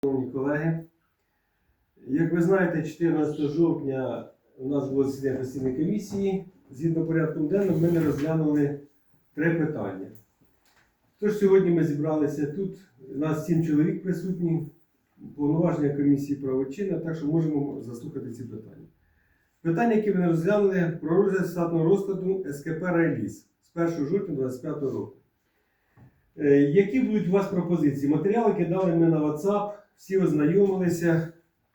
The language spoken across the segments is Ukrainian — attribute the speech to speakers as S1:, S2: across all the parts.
S1: Шановні колеги, як ви знаєте, 14 жовтня у нас було засідання постійної комісії. Згідно порядком денним, ми не розглянули 3 питання. Тож сьогодні ми зібралися тут, у нас 7 чоловік присутні, повноваження комісії правочинна, так що можемо заслухати ці питання. Питання, які ми не розглянули, про розгляд штатного розкладу СКП «Райліс» з 1 жовтня 2025 року. Які будуть у вас пропозиції? Матеріали кидали ми на WhatsApp, всі ознайомилися.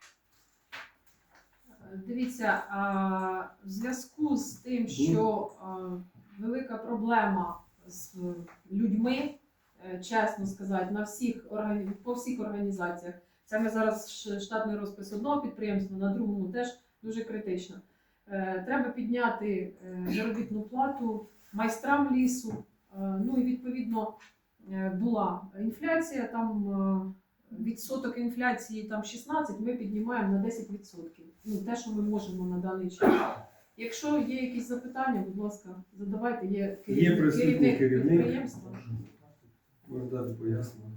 S2: Дивіться, в зв'язку з тим, що велика проблема з людьми, чесно сказати, по всіх організаціях. Це ми зараз штатний розпис одного підприємства, на другому теж дуже критично. Треба підняти заробітну плату майстрам лісу. Ну і відповідно була інфляція, там відсоток інфляції там 16, ми піднімаємо на 10%. Ну, те, що ми можемо на даний час. Якщо є якісь запитання, будь ласка, задавайте. Є керівник підприємства.
S1: Можна дати пояснення.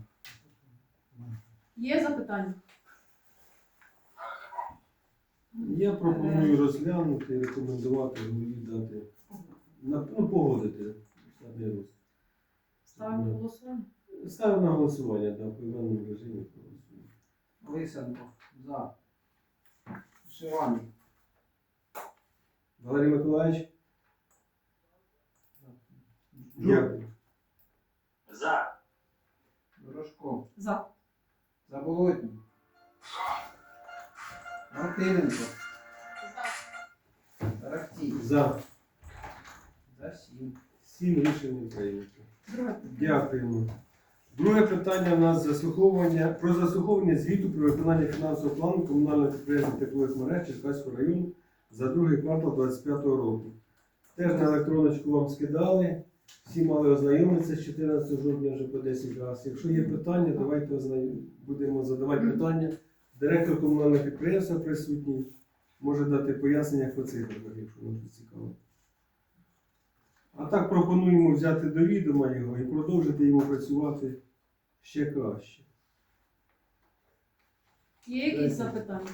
S2: Є запитання?
S1: Я пропоную розглянути і рекомендувати голові дати, погодити штатний розклад.
S2: Ставимо на голосування.
S1: Ставимо на голосування, так, в поіменному режимі проголосуємо.
S3: Лисенко. За. Шиваний.
S1: Валерій Миколаївич? Дякую.
S4: За.
S3: Дорошко.
S2: За.
S3: Заболотній. Мартиненко. Тарахтій.
S1: За.
S3: За 7.
S1: 7 рішень прийнято.
S2: Друге.
S1: Дякуємо. Друге питання у нас про заслуховування звіту про виконання фінансового плану комунального підприємства теплових мереж Черкаського району за другий квартал 2025 року. Теж на електроночку вам скидали. Всі мали ознайомитися з 14 жовтня вже по 10 разів. Якщо є питання, давайте будемо задавати питання. Директор комунального підприємства присутній може дати пояснення по цифрах, якщо вам цікаво. А так пропонуємо взяти до відома його і продовжити йому працювати ще краще.
S2: Є якісь запитання?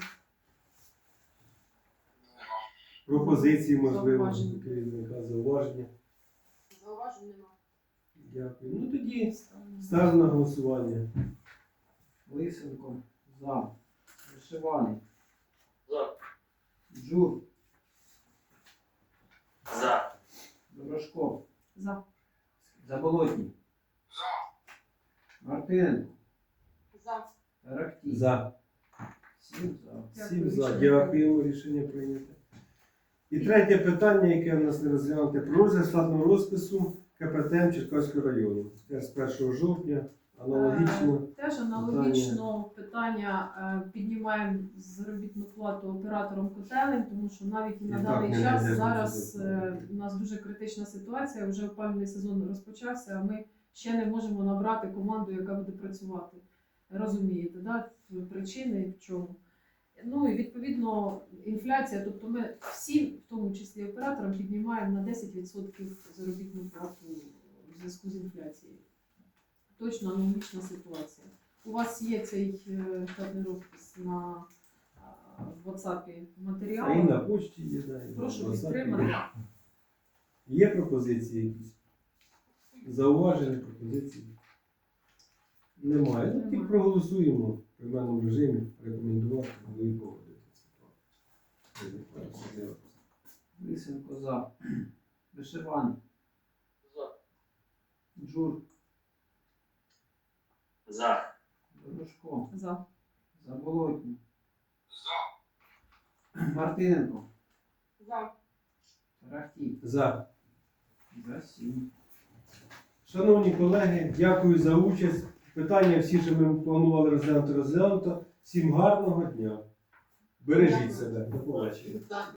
S1: Пропозиції, можливо,
S2: Зауваження.
S1: керівника, зауваження.
S2: Зауважень нема.
S1: Дякую. Ну тоді ставимо на голосування.
S3: Лисенко. За. Вишиваний.
S4: За.
S3: Джур.
S4: За.
S3: Дорошко.
S2: За.
S3: Заболотній. Мартиненко.
S2: За.
S3: Тарахтій.
S1: За.
S3: 7 за.
S1: 7 за. Дякуємо. Рішення прийнято. І третє питання, яке в нас не розглянуте, про розгляд штатного розпису КПТМ Черкаського району. Теж з 1 жовтня. Аналогічно.
S2: Теж аналогічно питання піднімаємо заробітну плату операторам котелень, тому що навіть і на даний час зараз у нас дуже критична ситуація, вже опалювальний сезон розпочався, а ми ще не можемо набрати команду, яка буде працювати. Розумієте, да? Причини в чому? Ну і відповідно інфляція, тобто ми всім, в тому числі операторам, піднімаємо на 10% заробітну плату в зв'язку з інфляцією. Точно аналогічна ситуація. У вас є цей штатний розпис на WhatsApp матеріал.
S1: А і на почті є. Да, і на
S2: Прошу
S1: WhatsApp.
S2: підтримати.
S1: Є пропозиції якісь? Зауваження, пропозиції? Немає. Ну, тільки проголосуємо в прийменному режимі, рекомендувати, голові погодити це.
S3: Лисенко. За. Вишиваний.
S4: За.
S3: Джур.
S4: За.
S3: Дорошко.
S2: За.
S3: Заболотній. За. Мартиненко.
S2: За.
S3: Тарахтій.
S1: За.
S3: За 7.
S1: Шановні колеги, дякую за участь. Питання всі, що ми планували розглянути, розглянуто. Всім гарного дня. Бережіть себе. До побачення.